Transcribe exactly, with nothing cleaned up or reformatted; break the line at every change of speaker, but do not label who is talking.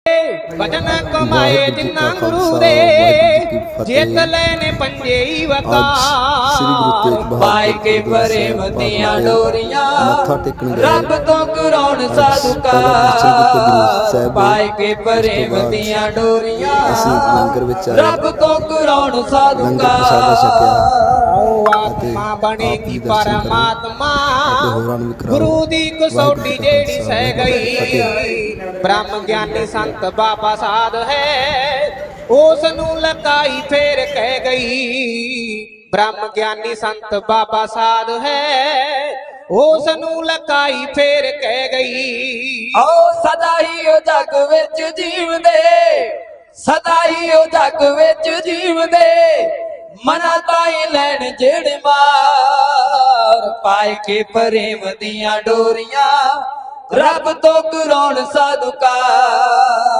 भजन कमाए जिन्ना गुरु दे जेत लेने पंजे वकार पाए के प्रेम दियां डोरियां रब तो कराउण साधु का पाए के प्रेम दियां डोरियां रब तो कराउण साधु का आत्मा बनेगी परमात्मा गुरु दी कसौटी जेड़ी सह गई ब्रह्म ज्ञानी संत बाबा साध है उस नू लकाई फेर कह गई ब्रह्म ज्ञानी संत बाबा साध है उस नू लकाई फेर कह गई ओ सदा ही ओ जग विच जीवदे सदा ही ओ जग विच जीवदे मना ताई लैन जेड़ मार पाए के प्रेम दियां डोरियां रब तो कराउण साधु का।